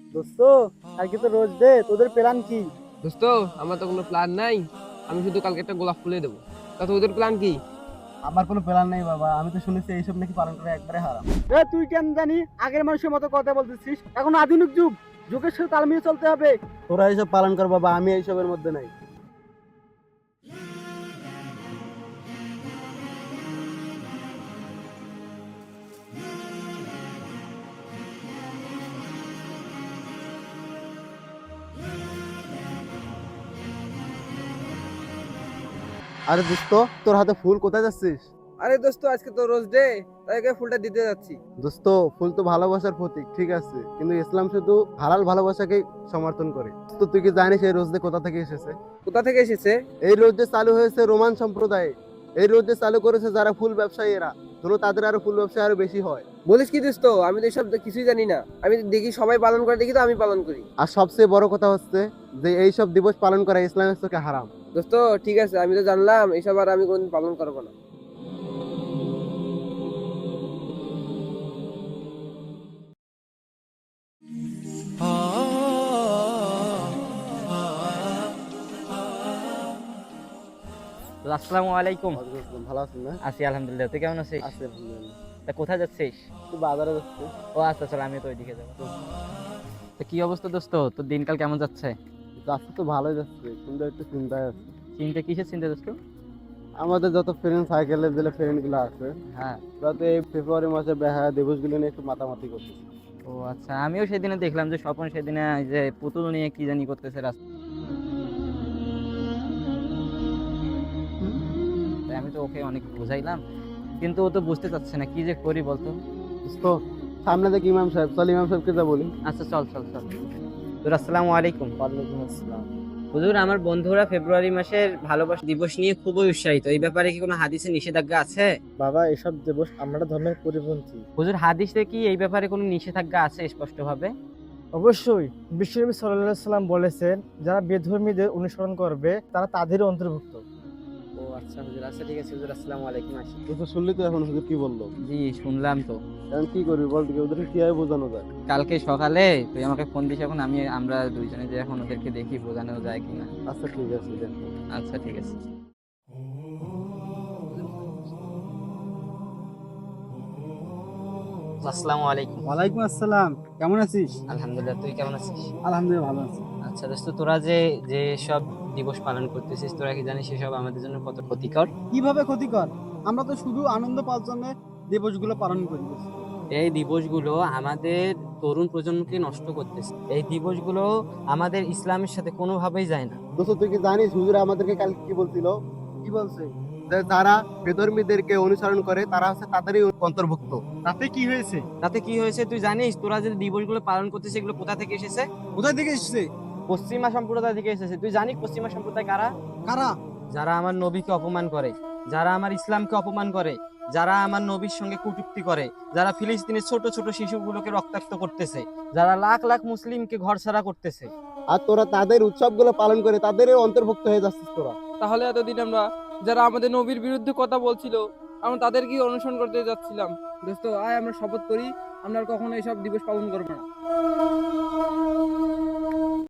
দোস্ত, কালকে তো রোজ ডে, তোদের প্ল্যান কি? দোস্ত, আমার তো কোনো প্ল্যান নাই। আমি শুধু কালকে একটা গোলাপ ফুলে দেবো। তা তোদের প্ল্যান কি? আমার কোনো প্ল্যান নেই বাবা, আমি তো শুনেছি এইসব নাকি পালন করা একবারে হারাম। তুই কেন জানি আগের মানুষের মতো কথা বলতেছিস? এখন আধুনিক যুগ, যুগের সাথে তাল মিলিয়ে চলতে হবে। তোরা এইসব পালন কর বাবা, আমি এইসবের মধ্যে নাই। আরে দোস্ত, তোর হাতে ফুল কোথায় যাচ্ছিস? আরে দোস্ত, আজকে তো রোজ ডে, তাই ফুলটা দিতে যাচ্ছি। দোস্ত, ফুল তো ভালোবাসার প্রতীক, ঠিক আছে, কিন্তু ইসলাম শুধু হালাল ভালোবাসাকে সমর্থন করে। তো তুই কি জানিস এই রোজ ডে কোথা থেকে এসেছে? কোথা থেকে এসেছে? এই রোজ ডে চালু হয়েছে রোমান সম্প্রদায়ে। এই রোজ ডে চালু করেছে যারা ফুল ব্যবসায়ীরা, যেন তাদের আরো ফুল ব্যবসা আরো বেশি হয়। বলিস কি দোস্ত? আমি তো এসব কিছুই জানি না। আমি দেখি সবাই পালন করে, দেখি তো আমি পালন করি। আর সবচেয়ে বড় কথা হচ্ছে যে এই সব দিবস পালন করা ইসলামের চোখে হারাম। দোস্ত, ঠিক আছে, আমি তো জানলাম, এসব আর আমি কোনদিন পালন করবো না। তো আসসালামু আলাইকুম। ওয়ালাইকুম আসসালাম, ভালো আছেন না? আছি আলহামদুলিল্লাহ, তুই কেমন আছিস? আছি আলহামদুলিল্লাহ। তা কোথায় যাচ্ছিস? একটু বাজারে যাচ্ছি। ও আচ্ছা, চল আমি তো ওইদিকে যাবো। তো কি অবস্থা দোস্ত, তোর দিনকাল কেমন যাচ্ছে? যাচ্ছে তো ভালোই যাচ্ছে, কিন্তু একটু চিন্তায় আছে। চিন্তা কিসের চিন্তা দোস্ত? আমাদের যত ফ্রেন্ড সাইকেলের যে ফ্রেন্ড গুলো আছে, হ্যাঁ। ওরা তো এই ফেব্রুয়ারি মাসে বেহায়া দিবসগুলো নিয়ে একটু মাতামাতি করছে। ও আচ্ছা, আমিও সেদিনে দেখলাম যে স্বপন সেদিনে এই যে পুতুল নিয়ে কি জানি করতেছে রাস্তায়। আমি তো ওকে অনেক বুঝাইলাম, কিন্তু ও তো বুঝতে চাচ্ছে না, কি যে করি বলতো। তো সামনে দেখ ইমাম সাহেব, চল ইমাম সাহেবকে যা বলি। আচ্ছা, চল চল চল। তোর আসসালামু আলাইকুম। ওয়ালাইকুম আসসালাম। হুজুর, আমার বন্ধুরা ফেব্রুয়ারি মাসের ভালোবাসা দিবস নিয়ে খুবই উৎসাহিত, এই ব্যাপারে কি কোনো হাদিসে নিষেধাজ্ঞা আছে? বাবা, এসব দিবস আমরা ধর্মের পরিপন্থী। হুজুর, হাদিসে কি এই ব্যাপারে কোনো নিষেধাজ্ঞা আছে স্পষ্টভাবে? অবশ্যই। বিশ্বনবী সাল্লাল্লাহু আলাইহি সাল্লাম বলেছেন, যারা বেধর্মীদের অনুসরণ করবে তারা তাদেরই অন্তর্ভুক্ত। ও আচ্ছা হুজুর, আচ্ছা ঠিক আছে হুজুর, আসসালামু আলাইকুম। আসি। তুই তো শুনলি তো এখন হুজুর কি বললো। জি শুনলাম তো। এখন কি করবি বল, দেখি ওদেরকে কিভাবে বোঝানো যায়। কালকে সকালে তুই আমাকে ফোন দিস, এখন আমরা দুইজনে যে এখন ওদেরকে দেখি বোঝানো যায় কিনা। আচ্ছা ঠিক আছে, দেখ। আচ্ছা ঠিক আছে। আসসালামু আলাইকুম। ওয়ালাইকুম আসসালাম, কেমন আছিস? আলহামদুলিল্লাহ, তুই কেমন আছিস? আলহামদুলিল্লাহ ভালো আছি। আচ্ছা দোস্ত, তোরা যে যে সব দিবস পালন করতেছিস, তোরা কি জানিস সেসব আমাদের জন্য কত ক্ষতিকর? কিভাবে ক্ষতিকর? আমরা তো শুধু আনন্দ পাওয়ার জন্য দিবসগুলো পালন করি। এই দিবসগুলো আমাদের তরুণ প্রজন্মকে নষ্ট করতেছে। এই দিবসগুলো আমাদের ইসলামের সাথে কোনোভাবেই যায় না। দোস্ত, তুই কি জানিস হুজুর আমাদেরকে কালকে কি বলছিল? কি বলছে? যে যারা বেধর্মীদেরকে অনুসরণ করে তারা হচ্ছে তাদেরই অন্তর্ভুক্ত। তাতে কি হয়েছে? তাতে কি হয়েছে তুই জানিস? তোরা যে দিবসগুলো পালন করতেছিস এগুলো কোথা থেকে এসেছে? কোথায় থেকে এসেছে? পশ্চিমা সম্প্রদায় থেকে এসেছে। তুই জানিস পশ্চিমা সম্প্রদায় কারা? কারা? যারা আমার নবীকে অপমান করে, যারা আমার ইসলামকে অপমান করে, যারা আমার নবীর সঙ্গে কটূক্তি করে, যারা ফিলিস্তিনের ছোট ছোট শিশুগুলোকে রক্তাক্ত করতেছে, যারা লাখ লাখ মুসলিমকে ঘরছাড়া করতেছে। আর তোরা তাদের উৎসবগুলো পালন করে তাদেরই অন্তর্ভুক্ত হয়ে যাচ্ছিস তোরা। তাহলে এতদিন আমরা যারা আমাদের নবীর বিরুদ্ধে কথা বলছিল, আমরা তাদেরকে অনুসরণ করতে যাচ্ছিলাম। দোস্ত, আয় আমরা শপথ করি, আমরা আর কখনো এইসব দিবস পালন করবো না।